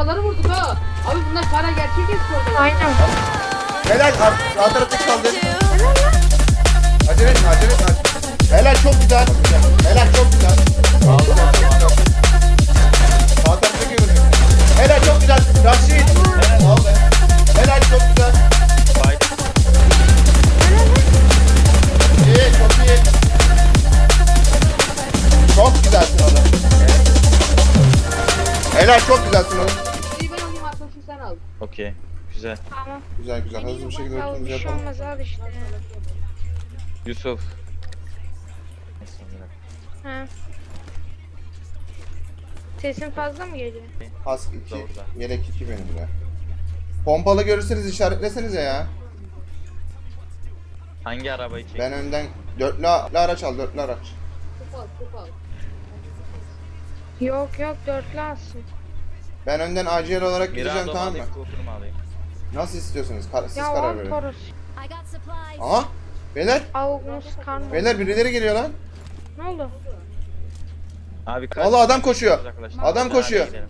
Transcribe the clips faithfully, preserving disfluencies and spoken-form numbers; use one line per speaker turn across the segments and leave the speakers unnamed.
paraları vurduk ha. Abi bunlar para gerçek esporda.
Aynen.
Helal. Sağ tarafta kaldı. Acele etme, acele etme. Helal, çok güzel. Helal, çok güzel. Sağ tarafta görünüyor. Helal, çok güzel. Raşit. Helal. Helal, çok güzel. İyi, çok iyi. Çok güzelsin oğlum. Helal, çok güzelsin oğlum.
İyi ben alayım arkadaşım sen al.
Okey. Güzel.
Tamam.
Güzel güzel, hızlı bir şekilde
Ya
ötümüzü
bir şey
yapalım.
olmaz abi işte.
Yusuf. Neyse, bırak.
Ha. Sesin fazla mı geliyor?
Kask iki,
Doğrudan.
yelek iki benim de. Pompalı görürseniz işaretlesenize ya.
Hangi arabayı çektin?
Ben önden dörtlü araç al, dörtlü araç.
Kup al kup al.
Yok yok dörtlü alsın.
Ben önden acil olarak gideceğim,
Mirado mu
tamam mı?
alayım, Cooper mu alayım?
Nasıl istiyorsunuz? Kar siz
Ya
karar
al
verin.
Toros.
I got supplies.
Aha! Beyler!
Avukmus karnı.
Beyler birileri geliyor lan.
Ne oldu?
Abi kaç?
Vallahi adam koşuyor.
Uzaklaştık.
Adam
Hadi
koşuyor.
gidelim.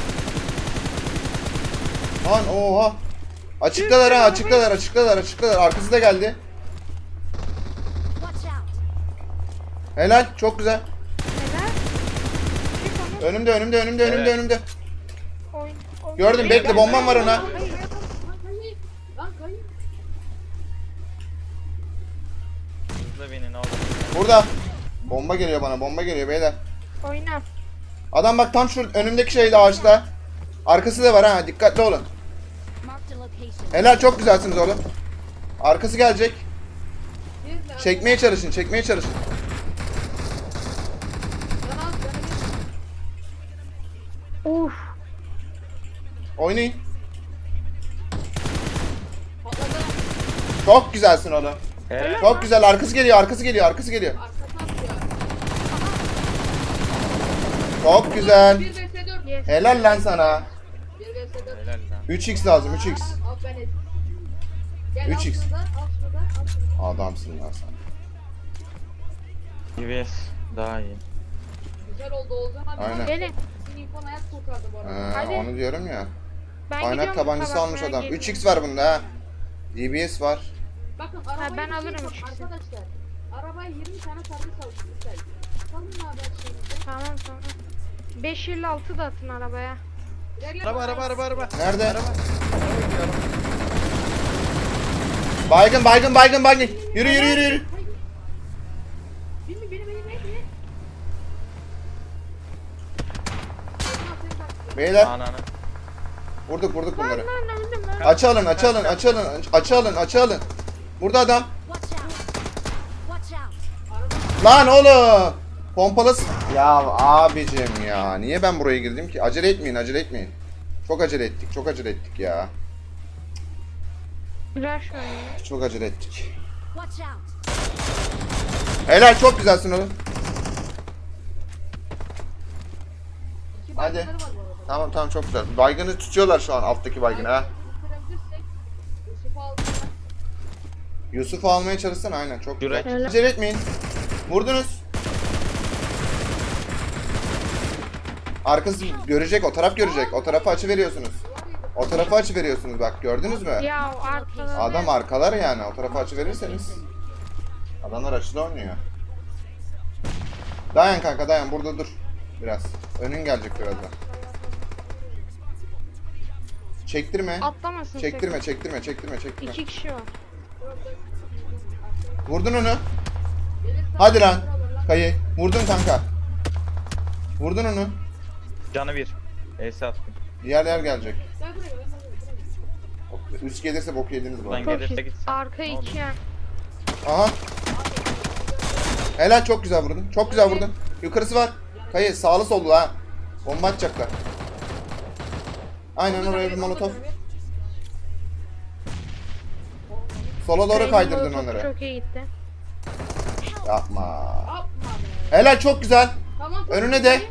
Lan oha! Açıktalar ha, açıktalar, açıktalar, açıktalar. Arkası da geldi.
Watch out.
Helal, çok güzel.
Neden? Çık onu.
Önümde, önümde, önümde, önümde,
Evet.
önümde.
Oyun. oyun-
Gördüm, bekle, bombam var ona.
Lan kayıp. Lan kayıp.
Hızlı binin oğlum.
Burada. Bomba geliyor bana, bomba geliyor beyler.
Oyna.
Adam bak tam şu önümdeki şeyde, ağaçta. Arkası da var ha, dikkatli olun.
Marked a location.
Helal, çok güzelsiniz oğlum. Arkası gelecek.
Bir de-
Çekmeye çalışın, çekmeye çalışın.
Sen al sana bir.
Uf.
Oynayın.
Patladı.
Çok güzelsin oğlum.
Helal.
Çok güzel, arkası geliyor, arkası geliyor, arkası geliyor.
Arkasına atıyor.
Çok güzel.
bir vs dört.
Yes.
Helal lan sana.
bir vs dört.
Helal lan.
üç x lazım, üç x.
Al ben et. Gel
üç
al
x.
şurada, al şurada, al şurada.
Adamsın lan sen.
D B S daha iyi.
Güzel oldu Oğuzhan abi.
Aynen.
Gelin.
Senin infon hayat kurtardı bu arada.
Ee,
Hadi.
onu diyorum ya.
Ben
Kaynak
gidiyorum,
tabancası
kusura
almış
bakmaya
adam.
geliyorum.
üç x var bunda ha. D B S var.
Bakın arabayı
ben
bir şey
alırım
yapın
ikisini.
arkadaşlar. Arabaya yirmi tane servis aldık güzel. Bakalım ne haber şeyimizde.
Tamam tamam. beş elli altı da atın arabaya.
İlerle
Araba
bana.
araba araba araba.
Nerede?
Araba.
Baygın, baygın, baygın, baygın. Yürü, yürü, yürü, yürü.
Bin mi beni beni beni beni. Oğuzhan seni taktı.
Beyler,
Ananı.
vurduk, vurduk bunları.
Lan öldüm lan.
Açı alın, açı alın, açı alın, açı alın, açı alın. Burada adam.
Watch out. Watch out.
Lan oğlum. Pompalı. s- Ya abicim ya. Niye ben buraya girdim ki? Acele etmeyin, acele etmeyin. Çok acele ettik, çok acele ettik ya.
Rush oynuyor.
Çok acele ettik.
Watch out.
Helal, çok güzelsin oğlum.
İki
Hadi.
baygınları var bu arada.
Tamam tamam, çok güzel. Baygını tutuyorlar şu an, alttaki baygını ha.
Bitirebilirsek Yusuf'u aldık.
Yusuf'u almaya çalışsana, aynen, çok güzel.
Yürek.
Acele etmeyin. Vurdunuz. Arkası görecek, o taraf görecek. O tarafa açı veriyorsunuz. O tarafa açı veriyorsunuz, bak gördünüz mü?
Ya arkadan.
Adam arkalar yani, o tarafa açı verirseniz. Adamlar açıda oynuyor. Dayan kanka, dayan, burada dur. Biraz. Önün gelecek birazdan. Çektirme.
Atlamasın.
Çektirme, çektirme, çektirme,
sakın.
çektirme.
İki kişi var.
Vurdun onu. Hadi lan. Kayı. Vurdun kanka. Vurdun onu.
Canı bir. Ace attım.
Diğer yer gelecek.
Gel buraya gel buraya.
Üst gelirse bok yediniz bu
Buradan
arada.
Çok
gelirse
iyi.
gitsin.
Arka
Ne oldu?
iki yan.
Aha. Helal, çok güzel vurdun. Çok güzel vurdun. Yukarısı var. Kayı sağlı sollu ha. Bomba atacaklar. Aynen oraya bir molotof. Sola doğru
Kayın
kaydırdın
molotofu
onları.
Çok iyi gitti.
Yapma.
Yapma be.
Helal, çok güzel.
Tamam.
Önüne de.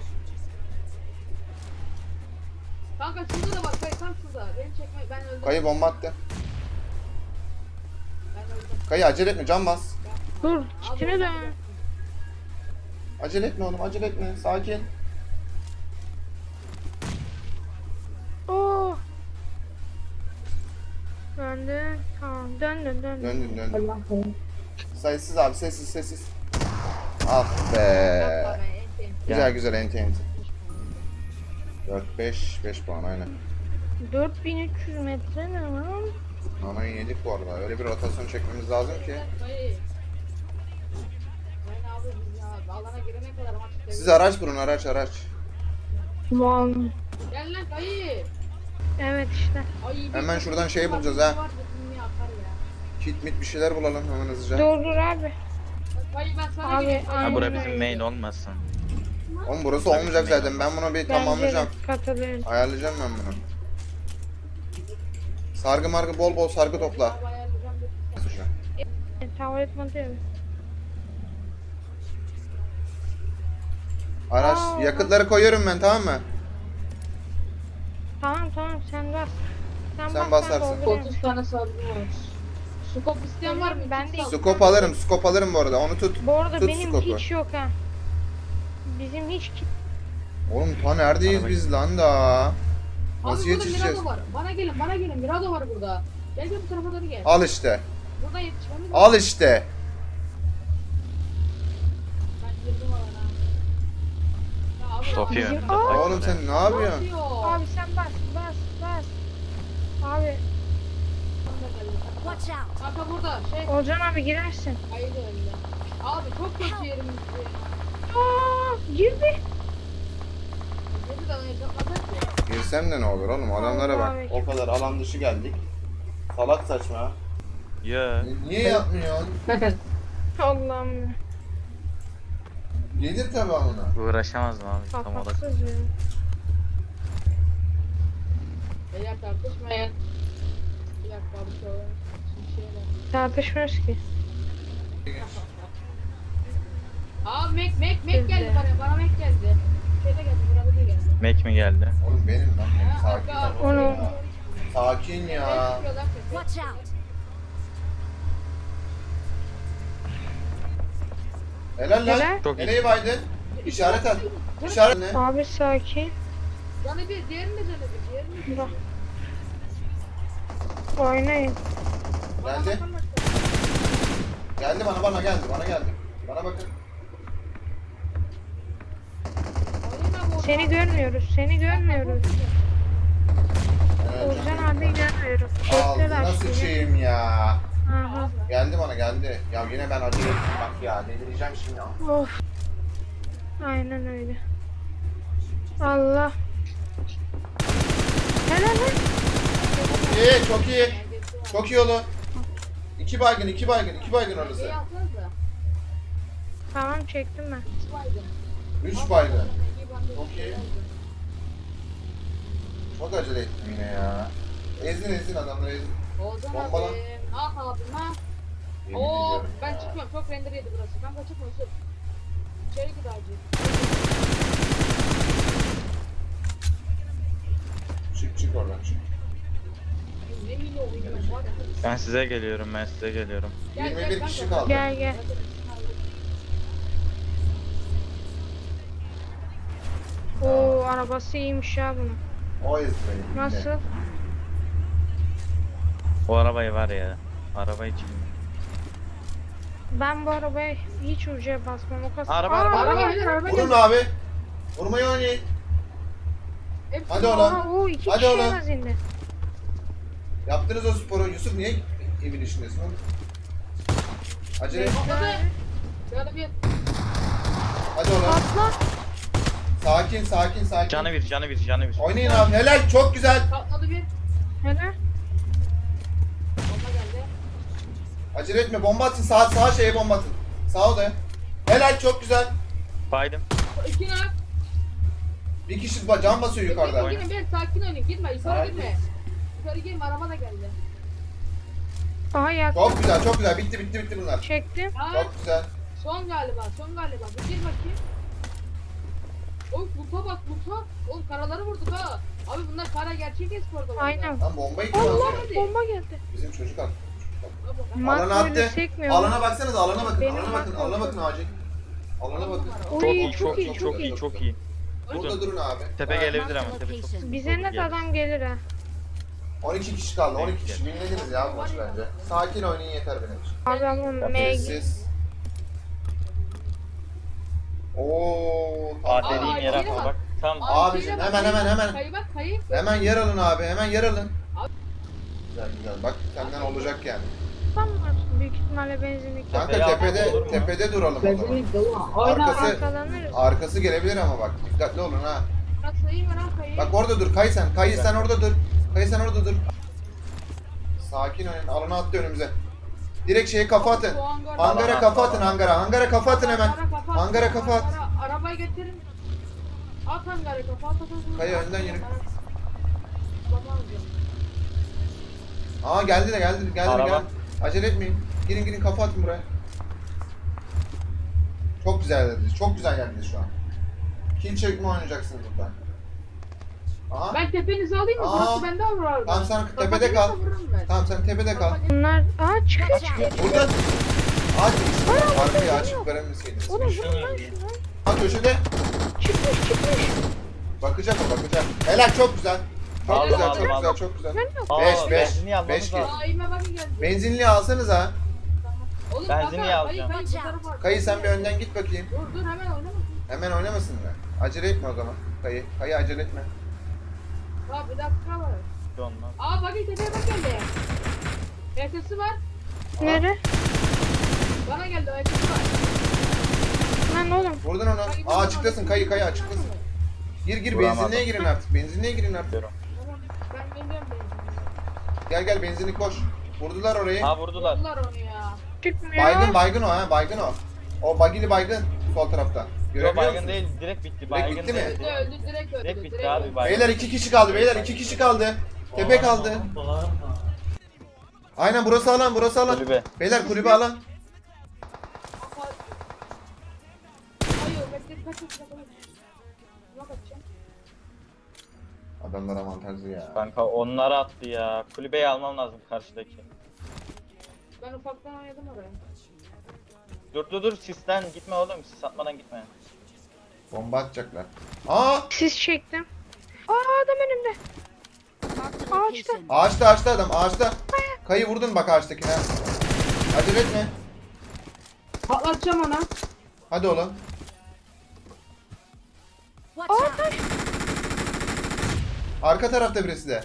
Kanka şurada da bak kayı tam şurada. Beni çekme ben öldüm.
Kayı bomba attı.
Ben öldüm.
Kayı acele etme, can bas.
Dur. Kitine dön.
Acele etme oğlum, acele etme. Sakin.
Oo döndü. Tamam döndün döndün.
Döndün döndün.
Allah korusun.
Sessiz abi sessiz sessiz. Ah be.
Yapma be, enti.
Güzel güzel enti enti. dört beş beş puan aynen.
dört bin üç yüz metre ne lan?
Nanayı yedik bu arada. Öyle bir rotasyon çekmemiz lazım ki.
Dayı. Ben abi biz ya alana girene kadar maç
Siz
seviyorum.
araç bulun araç araç.
Lan.
Gel lan dayı.
Evet işte.
Ay, bir
Hemen
sürü
şuradan şey
var,
bulacağız
bir
ha.
var, bir akar ya.
Kit mit bir şeyler bulalım hemen hızlıca.
Dur dur abi.
Dayı ben sana
Abi,
gireyim.
aynen.
Ha
Dayı.
bura bizim main olmasın.
Oğlum burası olmayacak zaten. Ben bunu bir
Bence de
tamamlayacağım.
katılıyorum.
Ayarlayacağım ben bunu. Sargı margı bol bol sargı topla.
Abi ayarlayacağım bir-
E, Tuvalet modu.
Araç
Aa.
yakıtları koyuyorum ben tamam mı?
Tamam tamam sen bas. Sen,
Sen
bas,
basarsın.
ben dolduruyorum.
otuz tane sargı var. Skop isteyen var mı?
Ben
İki
de-
sargı.
Skop alırım, skop alırım bu arada. Onu tut.
Bu arada
Tut
benim
skopu.
hiç yok ha. Bizim hiç ki-
Oğlum ta neredeyiz
Araba-
biz lan da?
Abi
Nasıl
burada
yetişeceğiz?
Mirado var. Bana gelin, bana gelin. Mirado var burada. Gel gel bu tarafa doğru gel.
Al işte.
Burada yetişmemiz lazım.
Al işte.
Ben girdim alana. Ya abi,
Sofya.
abi,
Bizim-
abi,
Aa!
Oğlum sen ne
ne
yapıyorsun?
yapıyor?
Abi sen bas bas bas. Abi
Watch out.
Kanka burada şey
Olcan abi girersin.
hayır öyle. Abi çok kötü yerimiz ya.
Aa girdi.
Dedi de oynayacaklar ki.
Girsem de ne olur oğlum adamlara bak.
Vallahi.
O kadar alan dışı geldik. Salak saçma.
Ya.
Niye yapmıyorsun?
Allah'ım ya.
Gelir tabi alına.
Uğraşamazdım abi tam olarak.
Kapatsız ya.
Beyler tartışmayın. Bir dakika bir şey var. Bir şey var.
Tartışmıyoruz ki.
Aa Mek Mek Mek
Bizde.
geldi bana. Bana Mek geldi. Şeyde geldi. Burada da geldi.
Mac mi geldi?
Oğlum benim lan. Benim.
Ha,
Sakin
aga.
ol.
Onu-
ya. Sakin ya.
Çıkıyorlar sesi.
Watch out.
Helal lan.
Helal.
Çok iyi.
Nereye baydın? İşaret at. İşaret ne?
Abi sakin.
Canı bir, diğerini de canı bir, diğerini de.
Bak. Oynayın.
Bana
Geldi.
bakın bak.
Geldi bana bana geldi bana geldi. Bana bakın.
Oynayın abi,
Seni
orada.
görmüyoruz. Seni görmüyoruz.
Evet.
Olcan abi görmüyoruz.
Aldı
Bekler
nasıl
aşkım.
şeyim ya.
Aha.
Geldi bana geldi. Ya yine ben acele ettim bak ya. Delireceğim şimdi ya.
Of. Aynen öyle. Allah. Helal lan.
İyi çok iyi. Çok iyi oğlum. İki baygın iki baygın iki baygın orası.
Şey yapsanıza.
Tamam çektim ben.
Üç baygın.
Üç baygın.
İyi bandı.
Çok iyi. Çok acele ettim yine ya. Ezdin ezdin adamları ezdin.
Olcan
Bombala.
abi. Ah abim ha.
Yemin
Oo
ediyorum
ben
ya.
çıkmıyorum. Çok render yedi burası. Ben kaçıp Yusuf. İçeri git acil.
Çık çık oradan çık.
Ne milyon oynuyorum var ya.
Ben size geliyorum ben size geliyorum.
Gel,
yirmi
gel,
bir
ben
kişi
de-
kaldı.
Gel gel. Oo arabası iyiymiş ya bunun.
O ezdi beni.
Nasıl?
O arabayı var ya. Araba için.
Ben bu arabaya hiç ucuya basmam. O kadar.
Araba,
Aa,
araba,
Araba gelir, araba
Vurun
gelir.
abi. Vurmayı oynayın.
Hepsi
Hadi
var.
oğlum.
Aa, o iki
Hadi
kişi
oğlum.
en az indi.
Yaptınız o sporu. Yusuf niye evin işindesin oğlum? Acele et.
Patladı. Şöyle bir.
Hadi oğlum.
Patla.
Sakin sakin sakin.
Canı bir canı bir canı bir.
Oynayın abi. Helal çok güzel.
Patladı bir.
Helal.
Bomba geldi.
Acele etme. Bomba atın. Sağ, sağ şeye bomba atın. Sağ odaya. Helal çok güzel.
Baydım.
İki nak.
Bir kişi ba- can basıyor yukarıda.
Gidin bir sakin oynayın. Gitme. Yukarı
Sakin.
gitme. Yukarı girme. Araba da geldi.
Aha yak.
Çok güzel çok güzel. Bitti bitti bitti bunlar.
Çektim.
Ha?
Çok güzel.
Son galiba. Son galiba. Bir gir bakayım. Oy lupa bak lupa. Oğlum karaları vurduk ha. Abi bunlar kara gerçek esporda. var.
Aynen.
Lan bombayı kim
Allah
atıyor?
bomba geldi.
Bizim çocuk attı.
Mat
Alana
böyle
attı.
sekmiyor.
Alana baksanıza alana bakın.
Benim
alana bakın.
mat
Alana
yok.
bakın acil. Alana bakın.
Çok
Oy,
iyi çok iyi çok iyi çok iyi.
Burada durun abi.
Tepe
Ha,
gelebilir ama tepe çok.
Bize net adam gelir ha.
on iki kişi kaldı. on iki kişi. Winlediniz ya bu maçı bence. Sakin oynayın yeter benim için.
Abi ama M G.
Sessiz. Oo.
Aa
Aa,
dediğim
ay,
yere
yine
atma
bak.
bak. Tam
Abicim,
şeyle bak,
hemen,
kayı
hemen,
bak,
hemen.
Kayı bak kayı.
Hemen yer alın abi. Hemen yer alın.
Abi-
Güzel güzel. Bak senden olacak yani.
Tam var. Büyük ihtimalle benzinlik.
Kanka
Tepeye
tepede
almak olur mu?
tepede duralım o zaman.
Benzinlik dolu. Oyna.
Arkası
Arkalanırız.
arkası gelebilir ama bak dikkatli olun ha.
Bak sayayım ben ha kayı.
Bak orada dur. Kayı sen. Kayı sen orada dur. Kayı sen orada dur. Sakin olun. Alana attı önümüze. Direkt şeye kafa atın.
Bu hangar-
Hangara kafa atın hangara. Hangara kafa atın hemen.
Hangara kafa at,
Hangara kafa at.
hangara- Arabayı getirin. At hangara kafa at. at, at.
Kayı önden yürü.
Tamam diyorum.
Aa geldi de geldi geldi
Araba.
geldi. Acele etmeyin. Girin girin kafa atın buraya. Çok güzel dediniz. Çok güzel geldiniz şu an. Kill çekme oynayacaksınız burada. Aha.
Ben tepenizi alayım mı?
Aa.
Burası bende olur abi.
Tamam sen
Kafa
tepede
gelirse
kal.
vururum ben.
Tamam sen tepede kal.
Kafa gelirse-
Bunlar aa çıkıyor
Watch
çıkıyor.
out.
Buradan aç. Arkayı açık veremeseydiniz.
Oğlum vurun lan şunu.
Ha köşede.
Çıkmış çıkmış.
Bakacak o bakacak. Helal çok güzel. Çok
Aldım,
güzel
aldım,
çok güzel
aldım.
çok güzel.
Ben yok.
Aa,
Beş, beş,
benzinliği almamız
beş
lazım.
Aa ime bakın geldi.
Benzinliği alsanız ha.
Oğlum
Benzinliği
kanka,
alacağım.
Kayı, kayı, bu tarafa at.
Kayı sen bir önden git bakayım.
Dur dur hemen oynama.
Hemen oynamasın mı? Acele etme o zaman. Kayı. Kayı acele etme.
Daha bir dakika var.
Ondan.
Aa bakın tepeye bak geldi. Ertesi var.
Nere?
Bana geldi o ertesi var.
Lan oğlum.
Vurdun onu. Aa açıklasın kayı kayı açıklasın. Gir gir
Vuramadım.
benzinliğe girin artık. Benzinliğe girin artık.
Diyorum.
Tamam ben geliyorum ben.
Gel gel benzinlik koş. Vurdular orayı.
Ha vurdular.
Vurdular onu ya.
Çıkmıyor.
Baygın baygın o ha baygın o. O bagili baygın sol tarafta.
Yok
Görebiliyor
baygın
musun?
değil direkt bitti. Baygın
bitti mi?
değil.
Öldü öldü direkt öldü.
Direkt bitti abi baygın.
Beyler iki kişi kaldı beyler iki kişi kaldı. Tepe kaldı. Aynen burası alan burası alan.
Kulübe.
Beyler kulübe alan.
Hayır bekle kaç kaç kaç. Buna kaçacağım.
Adamlar avantajlı ya.
Kanka onları attı ya. Kulübeyi almam lazım karşıdaki.
Ben ufaktan oynadım oraya.
Dur dur dur sisten gitme oğlum. Sis atmadan gitme.
Bomba atacaklar. Aa!
Siz çektim. Aa adam önümde.
Marked a
Ağaçta.
location.
Ağaçta ağaçta adam ağaçta. Kayı vurdun bak ağaçtakine. Acele etme.
Patlatacağım ona.
Hadi oğlum.
Watch out.
Arka tarafta birisi de.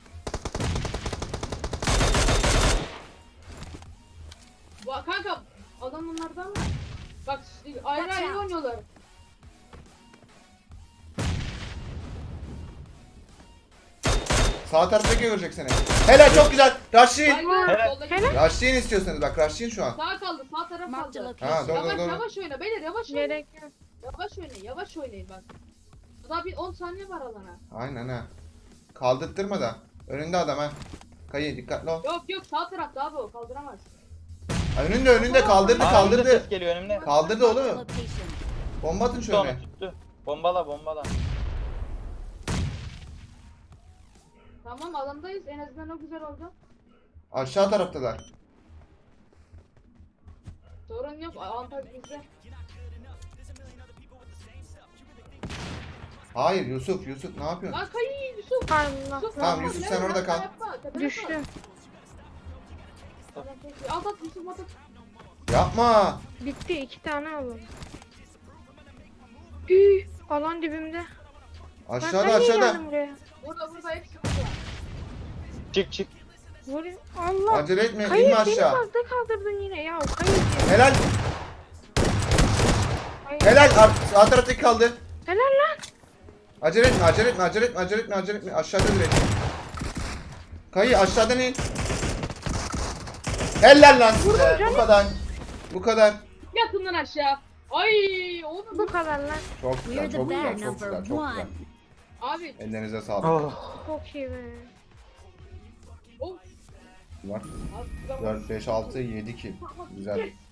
Ba- Kanka adam onlardan mı? Bak ayrı ayrı oynuyorlar.
Sağ taraftaki görecek seni. Helal çok güzel. Rush'in.
Baygın
Helal.
soldaki.
Helal.
Rush'in istiyorsanız bak Rush'in şu an.
Sağ kaldı sağ taraf
Marked a
kaldı.
Ha
location.
doğru
Yavaş
doğru doğru.
yavaş oyna beyler yavaş oynayın.
Gerek yok.
Yavaş oynayın yavaş oynayın bak. Daha bir on saniye var alana.
Aynen ha. Kaldırtırma da. Önünde adam ha. Kayı dikkatli ol.
Yok yok sağ tarafta abi o kaldıramaz.
Ha, önünde önünde kaldırdı
Aa, önümde
kaldırdı.
ses geliyor önümde.
Kaldırdı
Marked a
oğlum.
location.
Bomba atın
Tuttu onu
şöyle.
tuttu. Bombala bombala.
Tamam alandayız en azından o güzel oldu.
Aşağı taraftalar.
Sorun yok avantaj bizde.
Hayır Yusuf Yusuf ne yapıyorsun?
Lan kayı Yusuf.
Allah.
Yusuf
Tamam,
yapma,
Yusuf,
lan,
sen orada
yapma,
kal.
yapma, tepene
Düştü.
kal. Tamam, peki. At at Yusuf at at.
Yapma.
Bitti iki tane alalım. Üy, alan dibimde. Ben
Aşağıda
niye
aşağıda.
geldim buraya?
Burada burada hepsi burada.
Çık çık.
Vur. Allah.
Acele etme
Hayır
inme
beni
aşağı.
fazla kaldırdın yine ya. Hayır.
Helal.
Hayır.
Helal. Ar- Sağ taraftaki kaldı.
Helal lan.
Acele etme acele etme acele etme acele etme acele etme. Aşağıda direkt. Kayı aşağıdan in. Helal lan size. Bu kadar. Bu kadar.
Yatın lan aşağı. Ay oğlum.
Bu kadar lan.
Çok güzel
We're the
çok güzel
bear
çok
number
güzel çok
one.
güzel.
Abi
Ellerinize sağlık.
Oh.
Çok iyi be.
of.
Var.
Abi,
dört, beş, altı, yedi kill. Güzel.